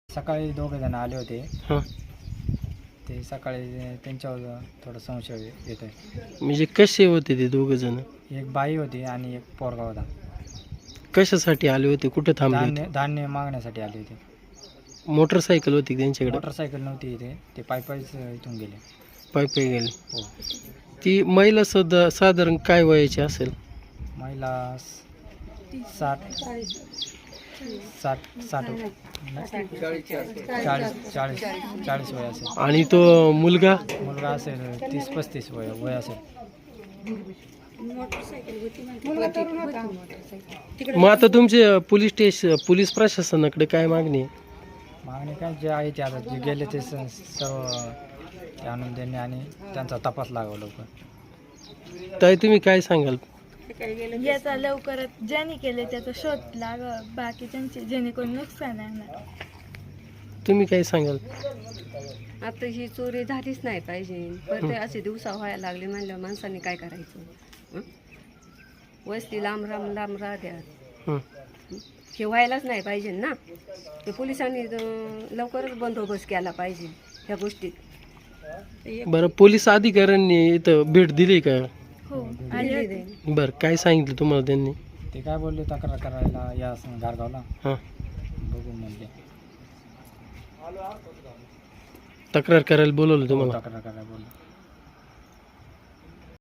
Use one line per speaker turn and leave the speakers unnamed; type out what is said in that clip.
सकाळी दोघे जण आले होते.
हां,
ते सकाळी त्यांच्यावर थोडा संशय येत आहे.
म्हणजे कसे होते ते दोघं जण?
एक बाई होती आणि एक पोरगा होता.
कशासाठी आले होते? कुठे थांबले होते?
धान्य मागण्यासाठी आले होते.
मोटरसायकल होती का त्यांच्याकडे?
मोटरसायकल नव्हती इथे, ते पायीच इथून गेले.
पायी गेले.
हो.
ती महिला सुद्धा साधारण काय वयाची असेल?
महिला 60 40 वय असेल.
आणि तो मुलगा?
मुलगा असेल 30-35 वय असेल.
मग आता तुमचे पोलीस प्रशासनाकडे काय मागणी आहे?
मागणी काय जे आहे ते आता जे गेले ते सर्व ते आणून देणे आणि त्यांचा तपास लागावा लवकर.
ताई, तुम्ही काय सांगाल?
याचा लवकरात ज्यांनी केले त्याचा शोध लागा, बाकीच्यांचे जेणेकरून नुकसान नाही होणार.
तुम्ही काय सांगाल?
आता ही चोरी झालीच नाही पाहिजे. परत असे दिवसा व्हायला लागले म्हणल्यावर माणसाने काय करायचं? हं? वस्ती लांब राहत्या.
हं.
हे व्हायलाच नाही पाहिजे ना. ते पोलिसांनी लवकरच बंदोबस्त केला पाहिजे ह्या गोष्टीत.
बरं, पोलीस अधिकाऱ्यांनी इथं भेट दिली का?
हो, आणि
बरं, काय सांगितलं तुम्हाला त्यांनी?
ते काय बोलले तक्रार करायला या गारगावला.
हां,
बघू म्हणले.
तक्रार करायला बोलवलं तुम्हाला?
तक्रार करायला बोलले.